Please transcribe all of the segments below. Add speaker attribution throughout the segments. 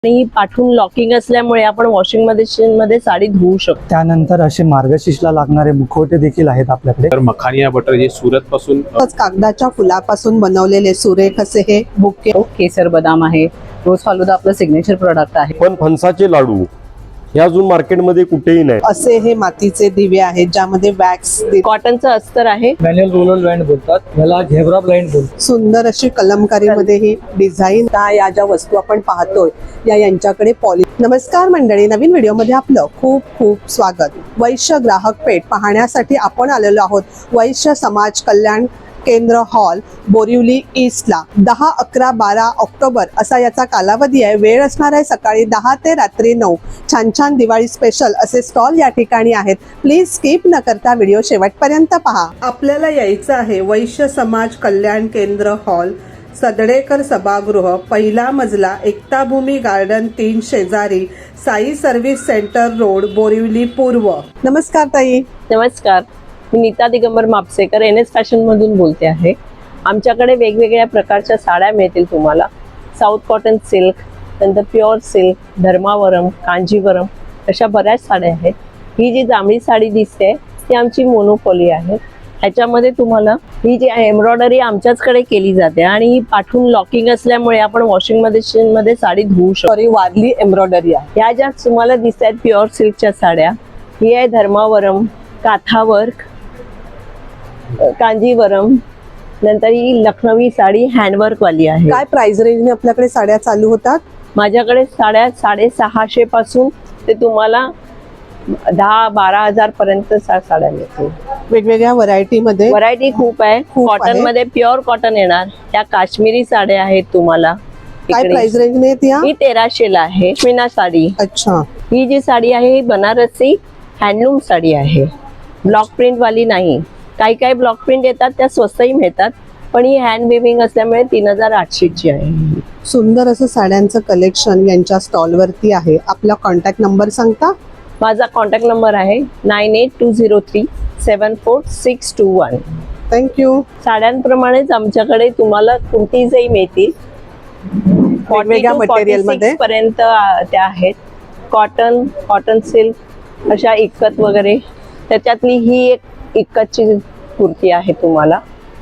Speaker 1: आणि पाठवून लॉकिंग असल्यामुळे आपण वॉशिंग मशीन मध्ये साडी धुवू शकतो।
Speaker 2: त्यानंतर असे मार्गशीर्षला लागणारे मुखवटे देखील आहेत आपल्याकडे।
Speaker 3: तर मखानिया बटर जे सुरत पासून
Speaker 4: कागदाच्या फुलापासून बनवलेले सुरेख असे हे बुके।
Speaker 1: केसर बदाम आहे, रोज फालुदा आपलं सिग्नेचर प्रोडक्ट आहे।
Speaker 5: पण फणसाचे लाडू हे अजून मार्केटमध्ये कुठेही नाही।
Speaker 4: असे हे मातीचे दिवे आहेत ज्यामध्ये वॅक्स
Speaker 1: कॉटनचं अस्तर आहे।
Speaker 2: मॅन्युअल रोलर ब्लाइंड बोलतात याला, झेब्रा ब्लाइंड बोलतात।
Speaker 4: सुंदर अशी कलमकारी मध्ये ही डिझाईन या ज्या वस्तू आपण पाहतोय यांच्याकडे पॉली। नमस्कार मंडळी, नवीन व्हिडिओ मध्ये आपलं खूप खूप स्वागत। वैश्य ग्राहक पेठ पाहण्यासाठी आपण आलेलो आहोत वैश्य समाज कल्याण केंद्र हॉल, बोरिवली ईस्टला। 10, 11, 12 ऑक्टोबर असा याचा कालावधी आहे। वेळ असणार आहे सकाळी 10 ते रात्री 9। छान छान दिवाळी स्पेशल असे स्टॉल या ठिकाणी आहेत। प्लीज स्किप न करता व्हिडिओ शेवटपर्यंत पहा। आपल्याला यायचं आहे वैश्य समाज कल्याण केंद्र हॉल, सदडेकर सभागृह, पहिला मजला, एकताभूमी गार्डन 3 शेजारी, Sai service centre road, Borivali पूर्व। नमस्कार ताई।
Speaker 1: नमस्कार, मी नीता दिगंबर मापसेकर NS फॅशन मधून बोलते आहे। आमच्याकडे वेगवेगळ्या प्रकारच्या साड्या मिळतील तुम्हाला। साऊथ कॉटन सिल्क, नंतर प्युअर सिल्क, धर्मावरम, कांजीवरम अशा बऱ्याच साड्या आहेत। ही जी जांभळी साडी दिसते ती आमची मोनोपोली आहे। ह्याच्यामध्ये तुम्हाला ही जी एम्ब्रॉयडरी आमच्याचकडे केली जाते आणि ही पाठवून लॉकिंग असल्यामुळे आपण वॉशिंग मशीन मध्ये साडी धुवू शकतो।
Speaker 4: सॉरी, वारली एम्ब्रॉयडरी आहे।
Speaker 1: ह्या ज्या तुम्हाला दिसत आहेत प्युअर सिल्कच्या साड्या, ही आहे धर्मावरम, काथावर्क, कांजीवरम, नंतर ही लखनवी साडी हँडवर्क वाली आहे।
Speaker 4: काय प्राइस रेंजने आपल्याकडे साड्या चालू होतात?
Speaker 1: माझ्याकडे साड्या 650 पासून ते तुम्हाला 10-12 हजार पर्यंत साड्या मिळतील।
Speaker 4: वेगवेगळ्या व्हरायटी मध्ये
Speaker 1: व्हरायटी खूप आहे। कॉटन मध्ये प्युअर कॉटन येणार, त्या काश्मीरी साड्या आहेत तुम्हाला।
Speaker 4: काय प्राइस रेंजने आहेत या?
Speaker 1: ही 1300 ला आहे मीना साडी।
Speaker 4: अच्छा,
Speaker 1: ही जी साडी आहे ही बनारसी हँडलूम साडी आहे, ब्लॉक प्रिंट वाली नाही। काही काही ब्लॉक प्रिंट येतात त्या स्वस्तही मिळतात, पण ही हँड वेविंग असल्यामुळे 3800 ची आहे।
Speaker 4: सुंदर असं साड्यांचं कलेक्शन यांच्या स्टॉल वरती आहे। आपला कॉन्टॅक्ट नंबर सांगता?
Speaker 1: माझा कॉन्टॅक्ट नंबर आहे 9820374621।
Speaker 4: थँक्यू।
Speaker 1: साड्यांप्रमाणेच आमच्याकडे तुम्हाला कुर्तीजही मिळतील।
Speaker 4: वेगवेगळ्या मटेरियल मध्ये
Speaker 1: पर्यंत त्या आहेत। कॉटन, कॉटन सिल्क अशा इक्कत वगैरे, त्याच्यातली ही एक इक्कतची कुर्ती आहे तुम्हाला।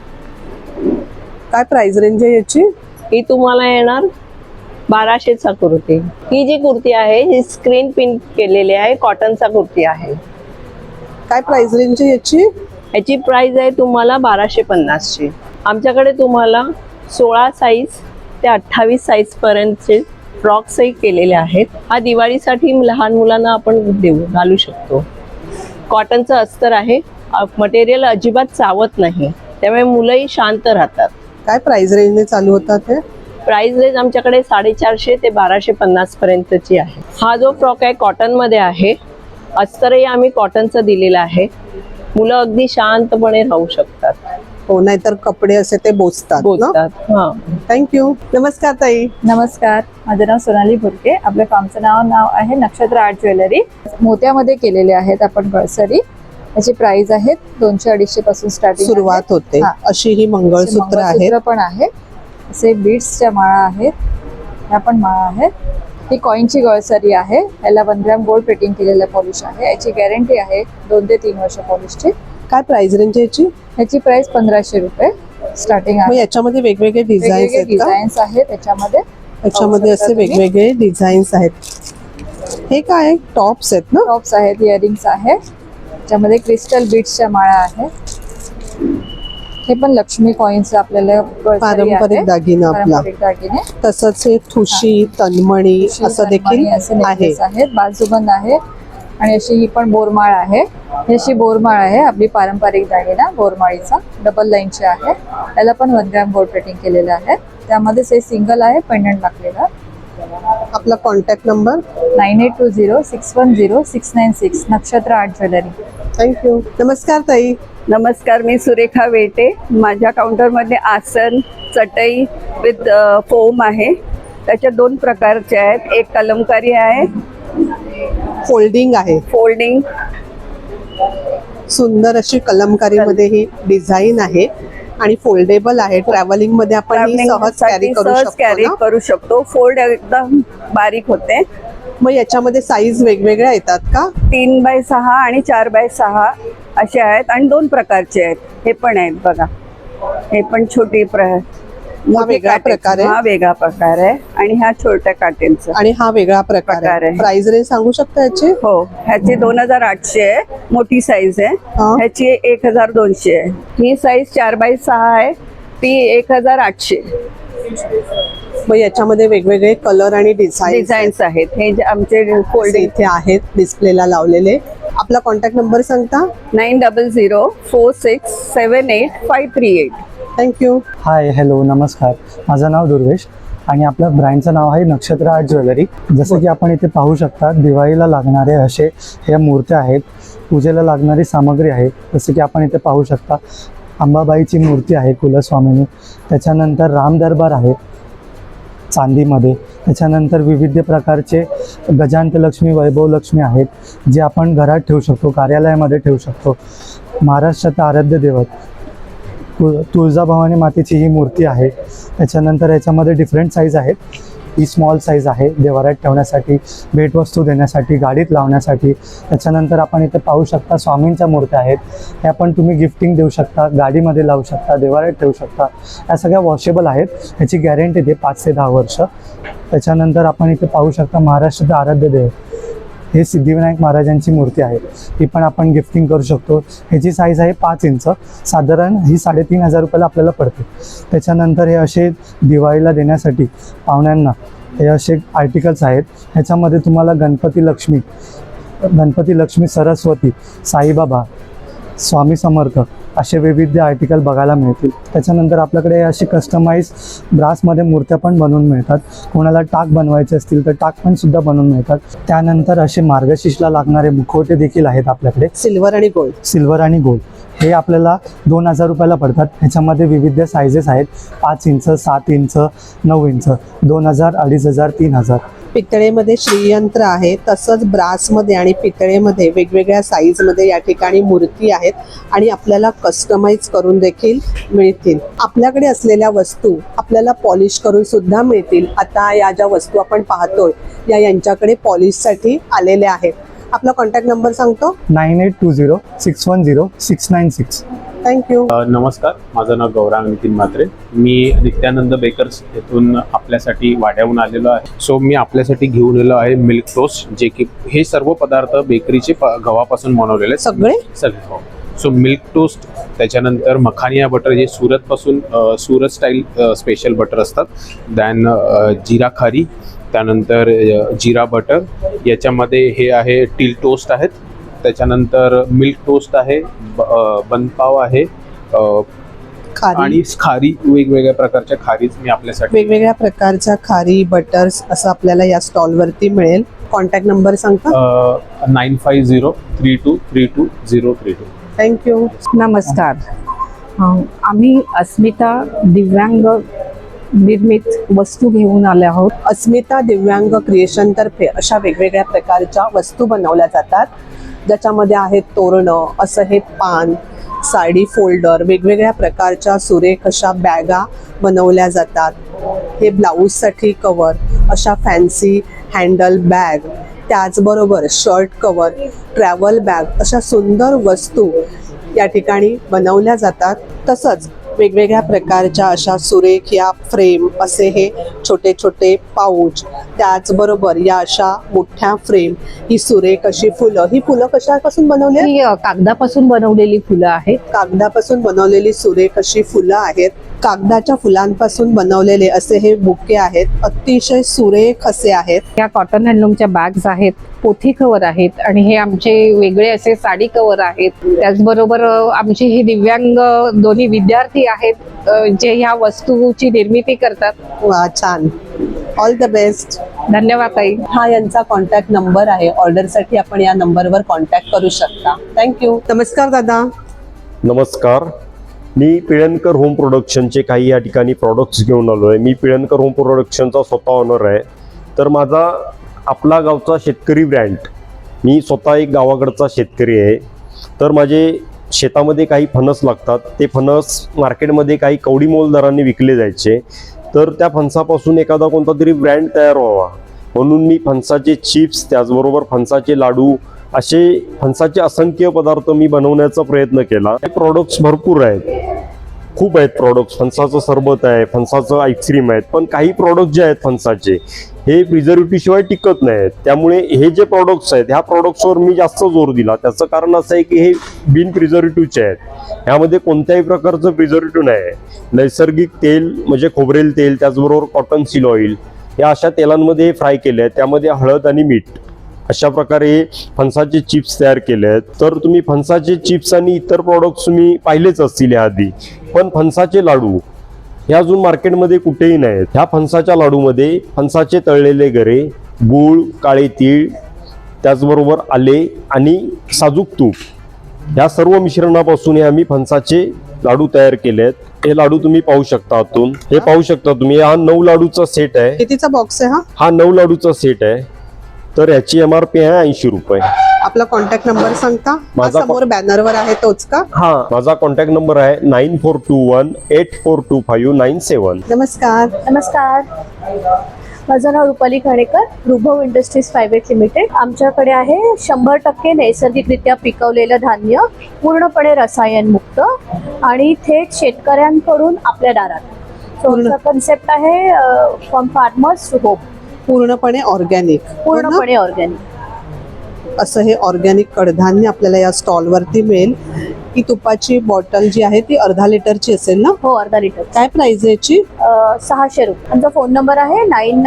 Speaker 4: काय प्राइस रेंज आहे याची?
Speaker 1: ही तुम्हाला येणार 1200 चा कुर्ती। ही जी कुर्ती आहे ही स्क्रीन प्रिंट केलेली आहे, कॉटनचा कुर्ती आहे।
Speaker 4: काय प्राइस रेंज आहे याची?
Speaker 1: याची प्राइस आहे तुम्हाला 1250 ची। आमच्याकडे तुम्हाला 16 साईज ते 28 साईज पर्यंतचे फ्रॉक्सही केलेले आहेत। हा दिवाळीसाठी लहान मुलांना आपण घालू शकतो। कॉटनचं अस्तर आहे, मटेरियल अजिबात चावत नाही, त्यामुळे मुलंही शांत राहतात।
Speaker 4: काय प्राइस रेंजने चालू होतात हे?
Speaker 1: प्राइस रेंज आमच्याकडे 450 ते 1250 पर्यंतची आहे। हा जो फ्रॉक आहे कॉटन मध्ये आहे, अस्तरही आम्ही कॉटनचं दिलेलं आहे। मुलं अगदी शांतपणे राहू शकतात।
Speaker 4: हो, नाहीतर कपडे असे ते बोचतात ना।
Speaker 1: हा,
Speaker 4: थँक्यू। नमस्कार ताई।
Speaker 6: नमस्कार, माझं नाव सोनाली भुरके। आपल्या फॉर्मचं नाव आहे नक्षत्र आर्ट ज्वेलरी। मोत्यामध्ये केलेले आहेत आपण गळसरी। याची प्राइस आहे 200-250 पासून स्टार्टिंग
Speaker 4: सुरुवात होते। अशी ही मंगळसूत्र आहे,
Speaker 6: पण आहे। असे बीड्सच्या माळा आहेत, ह्या पण माळा आहेत। ही कॉइनची गळसरी आहे, याला 1 ग्रॅम गोल्ड प्लेटिंग केलेलं पॉलिश आहे। याची गॅरंटी आहे 2 ते 3 वर्ष पॉलिशची।
Speaker 4: काय प्राइस रेंज आहे याची?
Speaker 6: याची प्राइस 1500 रुपये स्टार्टिंग आहे।
Speaker 4: याच्यामध्ये वेगवेगळे डिझाईन्स आहेत का?
Speaker 6: डिझाईन्स आहेत त्याच्यामध्ये।
Speaker 4: याच्यामध्ये असे वेगवेगळे डिझाईन्स आहेत। हे काय टॉप्स आहेत ना?
Speaker 6: टॉप्स आहेत, इयरिंग्स आहे, त्याच्यामध्ये क्रिस्टल बीड्सच्या माळा आहेत। हे पण लक्ष्मी कॉइन्स आपल्याला
Speaker 4: पारंपरिक दागिना आपला।
Speaker 6: दागिने,
Speaker 4: तसंच हे ठुशी, तन्मणी असं देखील आहे।
Speaker 6: बाजूबंद आहे आणि अशी ही पण बोरमाळ आहे। ही अशी बोरमाळ आहे आपली पारंपरिक दागिना, बोरमाळीचा डबल लाईनची आहे। याला पण 1 ग्रॅम गोल्ड प्लेटिंग केलेलं आहे। त्यामध्येच हे सिंगल आहे, पेंडंट लागलेला।
Speaker 4: आपला कॉन्टॅक्ट नंबर
Speaker 6: 9820610696, नक्षत्र आर्ट ज्वेलरी।
Speaker 4: थँक्यू। नमस्कार ताई।
Speaker 7: नमस्कार, मी सुरेखा वेटे। माझ्या काउंटरमध्ये आसन, चटई विथ फोम आहे। त्याच्या 2 प्रकारचे आहेत, एक कलमकारी आहे,
Speaker 4: फोल्डिंग आहे।
Speaker 7: फोल्डिंग।
Speaker 4: सुंदर अशी कलमकारी मध्ये ही डिझाईन आहे। आणि फोल्डेबल आहे. ट्रॅव्हलिंग मध्ये आपण ही सहज कॅरी करू
Speaker 7: कॅरी
Speaker 4: शकतो ना?
Speaker 7: करू शकतो. फोल्ड एकदम बारीक होते.
Speaker 4: मग याच्यामध्ये साईज वेगवेगळ्या येतात का?
Speaker 7: 3x6 आणि 4x6 असे आहेत आणि 2 प्रकारचे आहेत. हे पण आहेत बघा, हे पण छोटी मोठी
Speaker 4: वेगळा
Speaker 7: काटे.
Speaker 4: प्रकार आहे.
Speaker 7: हा वेगळा प्रकार आहे आणि ह्या छोट्या काटेंचा.
Speaker 4: आणि हा वेगळा प्रकार
Speaker 7: प्रकार
Speaker 4: आहे.
Speaker 7: आहे.
Speaker 4: प्राइस रेंज सांगू शकता याची?
Speaker 7: हो, ह्याची 2800 आहे, मोठी साईज आहे.
Speaker 4: हा.
Speaker 7: ह्याची 1200 आहे. ही साईज 4x6 आहे, ती 1800.
Speaker 4: मग याच्यामध्ये वेगवेगळे कलर आणि
Speaker 7: डिझाईन्स आहेत. हे जे आमचे फोल्डिंग
Speaker 4: इथे आहेत डिस्प्लेला लावलेले. आपला कॉन्टॅक्ट नंबर सांगता?
Speaker 7: 9004678538.
Speaker 4: थँक्यू.
Speaker 2: हाय हॅलो नमस्कार, माझं नाव दुर्वेश आणि आपल्या ब्रँडचं नाव आहे नक्षत्र आर्ट ज्वेलरी. जसं की आपण इथे पाहू शकता, दिवाळीला लागणारे असे ह्या मूर्त्या आहेत, पूजेला लागणारी सामग्री आहे. जसं की आपण इथे पाहू शकता, अंबाबाईची मूर्ती आहे कुलस्वामिनी, त्याच्यानंतर रामदरबार आहे चांदीमध्ये, त्याच्यानंतर विविध प्रकारचे गजांतलक्ष्मी, वैभवलक्ष्मी आहेत, जे आपण घरात ठेवू शकतो, कार्यालयामध्ये ठेवू शकतो. महाराष्ट्राचं आराध्य दैवत तुळजाभवानी मातेची ही मूर्ती आहे. त्याच्यानंतर याच्यामध्ये डिफरंट साईज आहेत. ही स्मॉल साईज आहे देवाऱ्यात ठेवण्यासाठी, भेटवस्तू देण्यासाठी, गाडीत लावण्यासाठी. त्याच्यानंतर आपण इथे पाहू शकता स्वामींच्या मूर्त्या आहेत. ह्या पण तुम्ही गिफ्टिंग देऊ शकता, गाडीमध्ये लावू शकता, देवाऱ्यात ठेवू शकता. ह्या सगळ्या वॉशेबल आहेत. ह्याची गॅरंटी दे 5 ते 10 वर्ष. त्याच्यानंतर आपण इथे पाहू शकता महाराष्ट्राचं आराध्य दैवत हे सिद्धिविनायक महाराजांची मूर्ती आहे. ही पण आपण गिफ्टिंग करू शकतो. ह्याची साईज आहे 5 इंच, साधारण ही 3500 रुपयाला आपल्याला पडते. त्याच्यानंतर हे असे दिवाळीला देण्यासाठी पाहुण्यांना हे असे आर्टिकल्स आहेत. ह्याच्यामध्ये तुम्हाला गणपती लक्ष्मी, सरस्वती, साईबाबा, स्वामी समर्थ असे विविध आर्टिकल बघायला मिळतील. त्याच्यानंतर आपल्याकडे असे कस्टमाइज ब्रासमध्ये मूर्त्या पण बनवून मिळतात. कोणाला टाक बनवायचे असतील तर टाक पण सुद्धा बनवून मिळतात. त्यानंतर असे मार्गशीर्षला लागणारे मुखवटे देखील आहेत आपल्याकडे,
Speaker 4: सिल्वर आणि गोल्ड.
Speaker 2: सिल्वर आणि गोल्ड. हे आपल्याला 2000 रुपयाला पडतात. ह्याच्यामध्ये विविध सायझेस आहेत, 5 इंच, 7 इंच, 9 इंच, 2000, 2500, 3000.
Speaker 4: पितळेमध्ये श्रीयंत्र आहे, तसंच ब्रासमध्ये आणि पितळेमध्ये वेगवेगळ्या साईजमध्ये या ठिकाणी मूर्ती आहेत आणि आपल्याला कस्टमाइज करून देखील मिळतील. आपल्याकडे असलेल्या वस्तू आपल्याला पॉलिश करून सुद्धा मिळतील. आता या ज्या वस्तू आपण पाहतोय यांच्याकडे पॉलिशसाठी आलेल्या आहेत. आपला कॉन्टॅक्ट नंबर सांगतो?
Speaker 2: 9820610696.
Speaker 4: थँक्यू.
Speaker 3: नमस्कार, माझं नाव गौरांग नितीन म्हात्रे. मी नित्यानंद बेकर्स येथून आपल्यासाठी वाड्याहून आलेलो आहे. सो मी आपल्यासाठी घेऊन आलो आहे मिल्क टोस्ट, जे की हे सर्व पदार्थ बेकरीचे गव्हापासून बनवलेले आहेत.
Speaker 4: सगळे
Speaker 3: हो. सो मिल्क टोस्ट, त्याच्यानंतर मखानिया बटर जे सुरतपासून सुरत स्टाईल स्पेशल बटर असतात. दॅन जिरा खारी, त्यानंतर जिरा बटर. याच्यामध्ये हे आहे टील टोस्ट आहेत. त्याच्यानंतर मिल्क टोस्ट आहे, बनपाव आहे
Speaker 4: खारी,
Speaker 3: आणि खारी. वेगवेगळ्या प्रकारच्या खारीज मी आपल्यासाठी
Speaker 4: वेगवेगळ्या प्रकारच्या खारी, बटर्स असं आपल्याला या स्टॉलवरती मिळेल. कॉन्टॅक्ट नंबर सांगता?
Speaker 3: 9503232032.
Speaker 4: थँक्यू.
Speaker 8: नमस्कार, आम्ही अस्मिता दिव्यांग निर्मित वस्तू घेऊन आले आहोत.
Speaker 4: अस्मिता दिव्यांग क्रिएशन तर्फे अशा वेगवेगळ्या प्रकारच्या वस्तू बनवल्या जातात, ज्याच्यामध्ये आहेत तोरणं, असं हे पान, साडी फोल्डर, वेगवेगळ्या प्रकारच्या सुरेख अशा बॅगा बनवल्या जातात. हे ब्लाऊजसाठी कवर, अशा फॅन्सी हँडल बॅग, त्याचबरोबर शर्ट कवर, ट्रॅव्हल बॅग, अशा सुंदर वस्तू या ठिकाणी बनवल्या जातात. तसंच वेगवेगळ्या प्रकारच्या अशा सुरेख या फ्रेम, असे हे छोटे छोटे पाऊच, त्याचबरोबर या अशा मोठ्या फ्रेम, ही सुरेख अशी फुलं. ही फुलं कशापासून बनवली आहेत?
Speaker 8: ही कागदापासून बनवलेली फुलं आहेत.
Speaker 4: कागदापासून बनवलेली सुरेख अशी फुलं आहेत. कागदाच्या फुलांपासून बनवलेले असे हे बुके आहेत, अतिशय सुरेख असे आहेत.
Speaker 8: या कॉटन हँडलूमच्या बॅग्स आहेत, पोथी कवर आहेत आणि हे आमचे वेगळे असे साडी कवर आहेत. त्याचबरोबर आमचे हे दिव्यांग दोन्ही विद्यार्थी आहेत, जे ह्या वस्तूची निर्मिती करतात.
Speaker 4: वा, छान. All the best.
Speaker 8: धन्यवाद ताई.
Speaker 4: हा यांचा कॉन्टॅक्ट नंबर आहे. ऑर्डरसाठी आपण या नंबरवर कॉन्टॅक्ट करू शकता. थँक्यू. नमस्कार दादा.
Speaker 5: नमस्कार, मी पिळणकर होम प्रोडक्शनचे काही या ठिकाणी प्रॉडक्ट्स घेऊन आलो आहे. मी पिळणकर होम प्रोडक्शनचा स्वतः ऑनर आहे. तर माझा आपला गावचा शेतकरी ब्रँड, मी स्वतः एक गावाकडचा शेतकरी आहे. तर माझे शेतामध्ये काही फणस लागतात, ते फणस मार्केटमध्ये काही कवडीमोल दराने विकले जायचे, तर त्या फणसापासून एखादा कोणता तरी ब्रँड तयार व्हावा म्हणून मी फणसाचे चिप्स, त्याचबरोबर फणसाचे लाडू, असे फणसाचे असंख्य पदार्थ मी बनवण्याचा प्रयत्न केला. हे प्रोडक्ट्स भरपूर आहेत, खूप आहेत प्रोडक्ट्स. फणसाचं सरबत आहे, फणसाचं आईस्क्रीम आहेत, पण काही प्रोडक्ट जे आहेत फणसाचे हे प्रिझर्वेटिव्ह शिवाय टिकत नाहीत. त्यामुळे हे जे प्रोडक्ट्स आहेत ह्या प्रोडक्ट्सवर मी जास्त जोर दिला. त्याचं कारण असं आहे की हे बिन प्रिझर्वेटिव्हचे आहेत, ह्यामध्ये कोणत्याही प्रकारचं प्रिझर्वेटिव्ह नाही आहे. नैसर्गिक तेल म्हणजे खोबरेल तेल, त्याचबरोबर कॉटन सील ऑइल, या अशा तेलांमध्ये हे फ्राय केले आहेत. त्यामध्ये हळद आणि मीठ अशा प्रकारे फणसाचे चिप्स तयार केले आहेत. तर तुम्ही फणसाचे चिप्स आणि इतर प्रोडक्ट्स तुम्ही पाहिलेच असतील याआधी, पण फणसाचे लाडू हे अजून मार्केटमध्ये कुठेही नाहीत. ह्या फणसाच्या लाडूमध्ये फणसाचे तळलेले गरे, गूळ, काळे तीळ, त्याचबरोबर आले आणि साजूक तूप, ह्या सर्व मिश्रणापासून हे आम्ही फणसाचे लाडू तयार केले आहेत. हे लाडू तुम्ही पाहू शकता आतून, हे पाहू शकता तुम्ही. हा 9 लाडूचा सेट आहे.
Speaker 4: कितीचा बॉक्स आहे
Speaker 5: हा 9 लाडूचा सेट आहे. तर याची MRP आहे 80 रुपये.
Speaker 4: आपला कॉन्टॅक्ट नंबर सांगता?
Speaker 5: माझा
Speaker 4: समोर बॅनरवर आहे तोच का?
Speaker 5: हा, माझा कॉन्टॅक्ट नंबर आहे 9421842597.
Speaker 4: नमस्कार.
Speaker 9: नमस्कार, माझं नाव Rupali Khanekar, Rubhav industries private limited. आमच्याकडे आहे 100% नैसर्गिकरित्या पिकवलेलं धान्य, पूर्णपणे रसायनमुक्त आणि थेट शेतकऱ्यांकडून आपल्या दारात.
Speaker 4: पूर्ण-
Speaker 9: कन्सेप्ट आहे फ्रॉम फार्मर्स टू होम,
Speaker 4: पूर्णपणे ऑर्गॅनिक.
Speaker 9: पूर्णपणे ऑर्गॅनिक.
Speaker 4: असं हे ऑर्गॅनिक कडधान्य आपल्याला या स्टॉलवरती मिळेल. ही तुपाची बॉटल जी आहे ती अर्धा लिटरची असेल ना?
Speaker 9: हो, अर्धा लिटर.
Speaker 4: काय प्राइस आहे याची?
Speaker 9: 600 रुपये. आमचा फोन नंबर आहे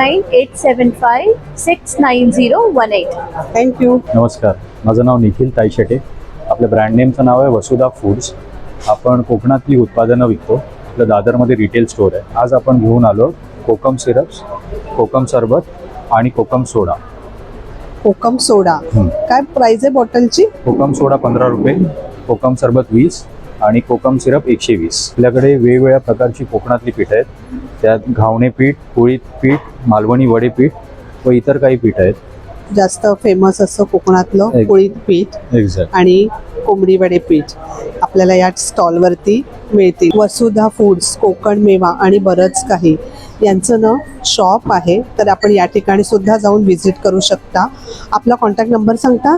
Speaker 9: 9987569018.
Speaker 4: थँक्यू.
Speaker 10: नमस्कार, माझं नाव निखिल ताईशेटे. आपल्या ब्रँड नेमचं नाव आहे वसुधा फूड्स. आपण कोकणातली उत्पादनं विकतो. आपलं दादरमध्ये रिटेल स्टोअर आहे. आज आपण घेऊन आलो कोकम सिरप्स, कोकम सरबत आणि कोकम सोडा.
Speaker 4: कोकम सोडा काय प्राइस आहे बॉटलची?
Speaker 10: कोकम सोडा 15 रुपये, कोकम सरबत 20 आणि कोकम सिरप 120. आपल्याकडे वेगवेगळ्या प्रकारची कोकणातली पीठ आहेत. त्यात घावणे पीठ, कुळीत पीठ, मालवणी वडे पीठ व इतर काही पीठ आहेत.
Speaker 4: जास्त फेमस असं कोकणातलं कुळीत पीठ
Speaker 10: एक्झॅक्ट.
Speaker 4: आणि कोंबडी वडे पीठ आपल्याला या स्टॉलवरती मिळतील. वसुधा फूड्स, कोकण मेवा आणि बरंच काही यांचं ना शॉप आहे, तर आपण या ठिकाणी सुद्धा जाऊन व्हिजिट करू शकता. आपला कॉन्टॅक्ट नंबर सांगता?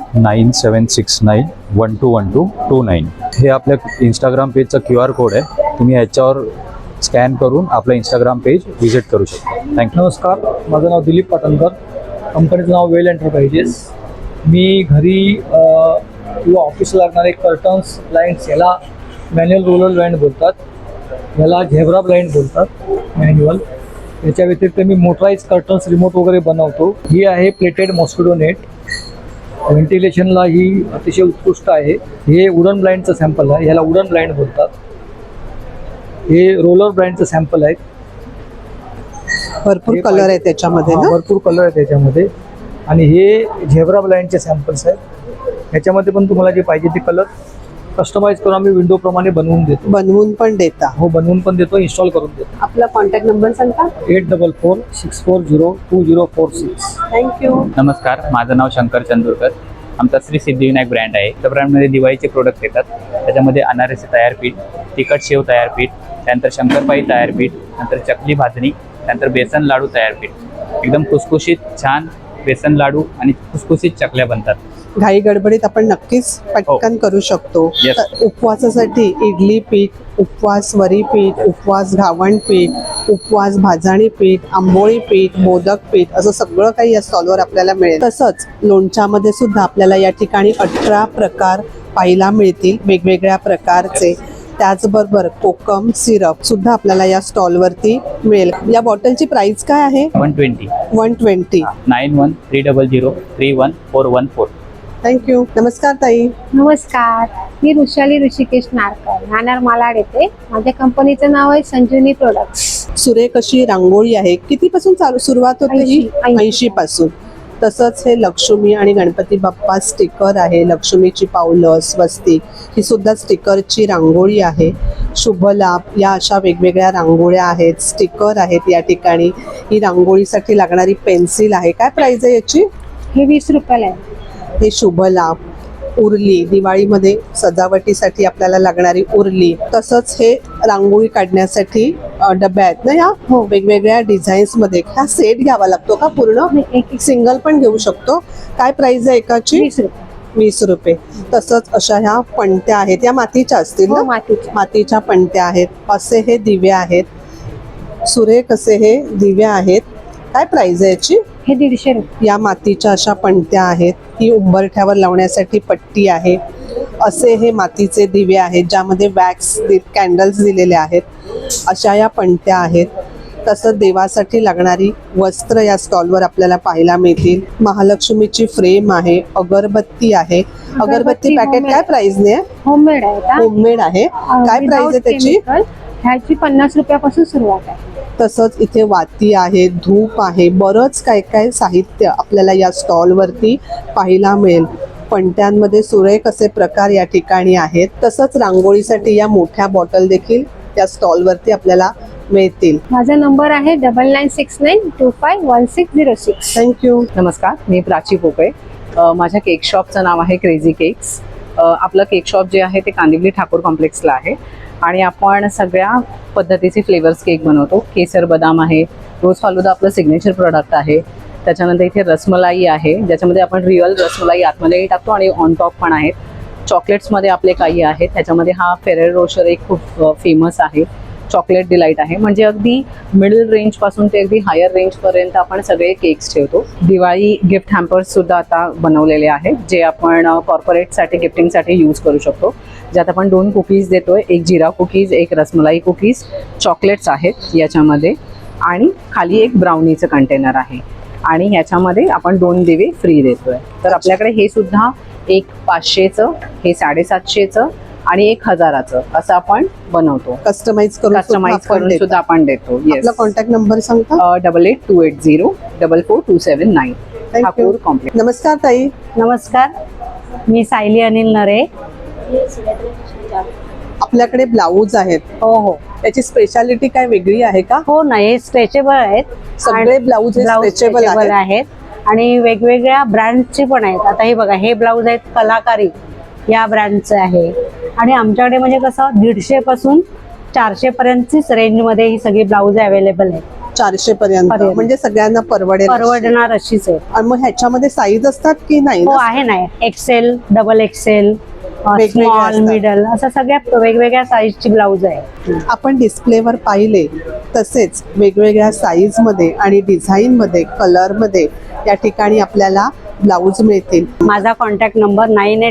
Speaker 10: 9769121229. हे आपल्या इंस्टाग्राम पेजचा QR कोड आहे. तुम्ही ह्याच्यावर स्कॅन करून आपलं इंस्टाग्राम पेज व्हिजिट करू शकता. थँक्यू.
Speaker 11: नमस्कार, माझं नाव दिलीप पाटणकर. कंपनीचं नाव वेल एंटरप्राइजेस. मी घरी किंवा ऑफिसला लागणारे कर्टन्स, ब्लाइंड्स याला मॅन्युअल रोलर ब्लाइंड बोलतात, याला झेब्रा ब्लाइंड बोलतात मॅन्युअल. याच्या व्यतिरिक्त मी मोटराईज कर्टन्स रिमोट वगैरे बनवतो. ही आहे प्लेटेड मॉस्किटो नेट. व्हेंटिलेशनला ही अतिशय उत्कृष्ट आहे. हे वुडन ब्लाइंडचं सॅम्पल आहे, याला वुडन ब्लाइंड बोलतात. हे रोलर ब्लाइंडचं सॅम्पल आहे.
Speaker 4: भरपूर कलर आहे त्याच्यामध्ये ना?
Speaker 11: भरपूर कलर आहे त्याच्यामध्ये. आणि हे झेब्रा ब्लाइंडचे सॅम्पल्स आहेत. ह्याच्यामध्ये पण तुम्हाला जे पाहिजे ते कलर कस्टमाइज करून आम्ही विंडो प्रमाणे बनवून देतो.
Speaker 4: बनवून पण देता?
Speaker 11: हो, बनवून पण देतो, इन्स्टॉल करून देतो.
Speaker 4: आपला कॉन्टॅक्ट नंबर सांगता?
Speaker 11: 8446402046.
Speaker 4: थँक्यू.
Speaker 12: नमस्कार, माझं नाव शंकर चंदूरकर. आमचा श्री सिद्धिविनायक ब्रँड आहे. त्या ब्रँडमध्ये दिवाळीचे प्रोडक्ट येतात. त्याच्यामध्ये अनारसे तयार पीठ, तिखट शेव तयार पीठ, त्यानंतर शंकरपाळी तयार पीठ, नंतर चकली भाजणी, त्यानंतर बेसन लाडू तयार पीठ. एकदम खुसखुशीत छान बेसन लाडू आणि खुसखुशीत चकल्या बनतात.
Speaker 4: घाई गडबडीत आपण नक्कीच पटकन करू शकतो.
Speaker 12: Yes.
Speaker 4: तर उपवासासाठी इडली पीठ, उपवास वरी पीठ, उपवास घावण पीठ, उपवास भाजणी पीठ, आंबोळी पीठ, मोदक पीठ असं सगळं काही या स्टॉलवर आपल्याला मिळेल. तसंच लोणच्यामध्ये सुद्धा आपल्याला या ठिकाणी 18 प्रकार पाहायला मिळतील वेगवेगळ्या प्रकारचे. त्याचबरोबर कोकम सिरप सुद्धा आपल्याला या स्टॉलवरती मिळेल. या बॉटलची प्राइस काय आहे?
Speaker 12: 120.
Speaker 4: 120.
Speaker 12: 9130031414.
Speaker 4: थँक्यू. नमस्कार ताई.
Speaker 13: नमस्कार, मी ऋषाली ऋषिकेश नारकर, नाणार मालाड येते. माझ्या कंपनीचं नाव आहे संजीवनी प्रोडक्ट्स.
Speaker 4: सुरेख अशी रांगोळी आहे. कितीपासून सुरुवात होते ही? 80 पासून. तसंच हे लक्ष्मी आणि गणपती बाप्पा स्टिकर आहे. लक्ष्मीची पावलं, स्वस्तिक, ही सुद्धा स्टिकरची रांगोळी आहे. शुभ लाभ या अशा वेगवेगळ्या रांगोळ्या आहेत, स्टिकर आहेत या ठिकाणी. ही रांगोळीसाठी लागणारी पेन्सिल आहे. काय प्राइस आहे याची?
Speaker 13: हे 20 रुपयाला आहे.
Speaker 4: हे शुभ लाभ, उरली, दिवाळीमध्ये सजावटीसाठी आपल्याला लागणारी उरली, तसंच हे रांगोळी काढण्यासाठी डब्या आहेत ना या वेगवेगळ्या डिझाईन्स मध्ये. हा सेट घ्यावा लागतो का पूर्ण? सिंगल पण घेऊ शकतो. काय प्राइस आहे एकाची? 20 रुपये. तसंच अशा ह्या पणत्या आहेत, या मातीच्या असतील ना? मातीच्या पणत्या आहेत. असे हे दिवे आहेत, सुरेख असे हे दिवे आहेत. काय प्राइस आहे याची?
Speaker 13: हे 150 रुपये.
Speaker 4: या मातीच्या अशा पणत्या आहेत. ही उंबरठ्यावर लावण्यासाठी पट्टी आहे. असे हे मातीचे दिवे आहेत ज्यामध्ये वॅक्स कॅन्डल्स दिलेले आहेत. अशा या पणत्या आहेत. तसंच देवासाठी लागणारी वस्त्र या स्टॉलवर आपल्याला पाहायला मिळतील. महालक्ष्मीची फ्रेम आहे, अगरबत्ती आहे. अगरबत्ती पॅकेट काय प्राइसने?
Speaker 13: होममेड आहे.
Speaker 4: होममेड आहे. काय प्राइस आहे त्याची?
Speaker 13: ह्याची 50 रुपयापासून सुरुवात आहे.
Speaker 4: तसंच इथे वाती आहे, धूप आहे, बरंच काय काय साहित्य आपल्याला या स्टॉलवरती पाहायला मिळेल. पणत्यांमध्ये सुरेख असे प्रकार या ठिकाणी आहेत. तसंच रांगोळीसाठी या मोठ्या बॉटल देखील या स्टॉलवरती आपल्याला मिळतील.
Speaker 13: माझा नंबर आहे 9969251606.
Speaker 4: थँक्यू.
Speaker 1: नमस्कार, मी प्राची पोपळे. माझ्या केक शॉपचं नाव आहे क्रेझी केक्स. आपलं केक शॉप जे आहे ते कांदिवली ठाकूर कॉम्प्लेक्सला आहे आणि आपण सगळ्या पद्धतीचे फ्लेवर्स केक बनवतो. केसर बदाम आहे, रोज फालुदा आपलं सिग्नेचर प्रोडक्ट आहे. त्याच्यानंतर इथे रसमलाई आहे ज्याच्यामध्ये आपण रिअल रसमलाई आतमध्येही टाकतो आणि ऑन टॉप पण आहेत. चॉकलेट्समध्ये आपले काही आहेत, त्याच्यामध्ये हा फेरेरो रोशर एक खूप फेमस आहे. चॉकलेट डिलाईट आहे, म्हणजे अगदी मिडल रेंजपासून ते अगदी हायर रेंजपर्यंत आपण सगळे केक्स ठेवतो. दिवाळी गिफ्ट हॅम्पर्स सुद्धा आता बनवलेले आहेत जे आपण कॉर्पोरेटसाठी गिफ्टिंगसाठी यूज करू शकतो. ज्यात आपण 2 कुकीज देतोय, एक जिरा कुकीज, एक रसमलाई कुकीज. चॉकलेट्स आहेत याच्यामध्ये आणि खाली एक ब्राउनीचं कंटेनर आहे आणि ह्याच्यामध्ये आपण 2 दिवे फ्री देतोय. तर आपल्याकडे हे सुद्धा एक 500चं, हे 750चं आणि 1000चं असं आपण बनवतो.
Speaker 4: कस्टमाइज करून
Speaker 1: सुद्धा आपण देतो.
Speaker 4: आपला कॉन्टॅक्ट नंबर सांगता?
Speaker 1: 8828042779. ठाकूर कॉम्प्लेक्स.
Speaker 4: नमस्कार ताई.
Speaker 14: नमस्कार, मी सायली अनिल नरे.
Speaker 4: आपल्याकडे ब्लाऊज आहेत.
Speaker 14: हो.
Speaker 4: त्याची स्पेशालिटी काय वेगळी आहे का?
Speaker 14: हो ना, हे स्ट्रेचेबल आहेत.
Speaker 4: सगळे ब्लाऊज
Speaker 14: स्ट्रेचेबल आहेत आणि वेगवेगळ्या ब्रँडचे पण आहेत. आता हे बघा, हे ब्लाऊज आहेत कलाकारी या ब्रँडचे आहे आणि आमच्याकडे म्हणजे कसं 150 पासून 400 पर्यंतचीच रेंजमध्ये ही सगळी ब्लाऊज अवेलेबल आहेत.
Speaker 4: 400 पर्यंत म्हणजे सगळ्यांना
Speaker 14: परवडणार अशीच आहे.
Speaker 4: आणि मग ह्याच्यामध्ये साईज असतात की नाही?
Speaker 14: हो आहे ना, XL, double XL, small, middle असं सगळ्या वेगवेगळ्या साईजची ब्लाऊज आहे.
Speaker 4: आपण डिस्प्लेवर पाहिले तसेच वेगवेगळ्या साईज मध्ये आणि डिझाईन मध्ये, कलर मध्ये या ठिकाणी आपल्याला ब्लाऊज मिळतील.
Speaker 14: माझा कॉन्टॅक्ट नंबर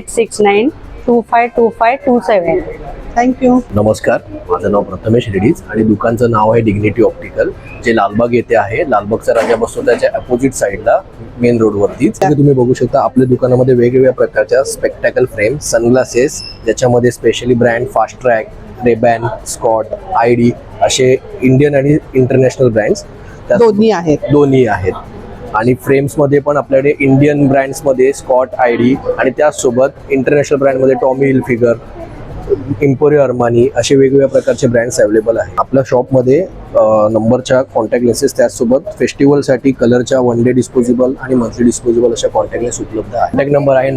Speaker 14: 9869252527.
Speaker 4: थँक्यू.
Speaker 15: नमस्कार, माझं नाव प्रथमेश रेड्डीज आणि दुकानचं नाव आहे डिग्निटी ऑप्टिकल, जे लालबाग येथे आहे. लालबागचा राजा बसतो त्याच्या अपोजिट साईडला मेन रोडवरतीच. तुम्ही बघू शकता आपल्या दुकानामध्ये वेगवेगळ्या प्रकारच्या स्पेक्टॅकल फ्रेम, सनग्लासेस, ज्याच्यामध्ये specially brand Fastrack, RayBan, Scott, ID असे इंडियन आणि इंटरनॅशनल ब्रँड्स दोन्ही आहेत. आणि फ्रेम्समध्ये पण आपल्याकडे इंडियन ब्रँड्समध्ये स्कॉट, आयडी आणि त्याचसोबत इंटरनॅशनल ब्रँडमध्ये टॉमी हिलफिगर, इम्पोरियो अर्मानी असे वेगवेगळ्या प्रकारचे ब्रँड्स अवेलेबल आहेत. आपल्या शॉपमध्ये नंबरच्या कॉन्टॅक्ट लेन्सेस, त्याचसोबत फेस्टिवलसाठी कलरच्या 1 डे डिस्पोजेबल आणि मंथली डिस्पोजेबल अशा कॉन्टॅक्ट लेन्स उपलब्ध आहे. कॉन्टॅक्ट नंबर आहे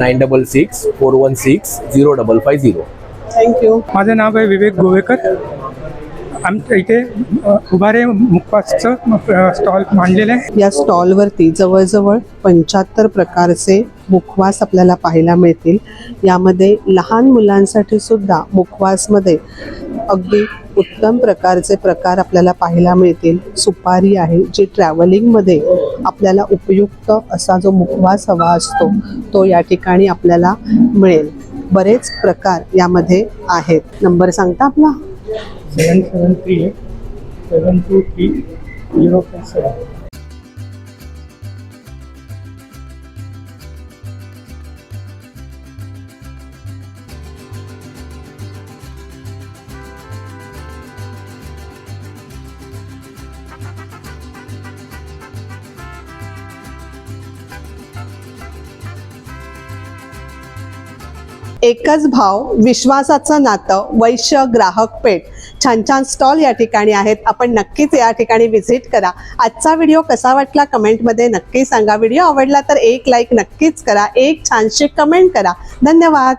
Speaker 15: 9664160550.
Speaker 4: थँक्यू.
Speaker 16: माझं नाव आहे विवेक गोवेकर. आमच्या इथे उभारे मुखवासचं स्टॉल मांडलेलं आहे.
Speaker 4: या स्टॉलवरती जवळजवळ 75 प्रकारचे मुखवास आपल्याला पाहायला मिळतील. यामध्ये लहान मुलांसाठी सुद्धा मुखवासमध्ये अगदी उत्तम प्रकारचे प्रकार आपल्याला पाहायला मिळतील. सुपारी आहे, जी ट्रॅव्हलिंगमध्ये आपल्याला उपयुक्त असा जो मुखवास हवा असतो तो या ठिकाणी आपल्याला मिळेल. बरेच प्रकार यामध्ये आहेत. नंबर सांगता आपला?
Speaker 16: 7738723057.
Speaker 4: एकच भाव, विश्वासाचं नातं, वैश्य ग्राहक पेठ. छान छान स्टॉल या ठिकाणी आहेत. आपण नक्कीच या ठिकाणी व्हिजिट करा. आजचा व्हिडिओ कसा वाटला कमेंटमध्ये नक्की सांगा. व्हिडिओ आवडला तर एक लाईक नक्कीच करा, एक छानशी कमेंट करा. धन्यवाद.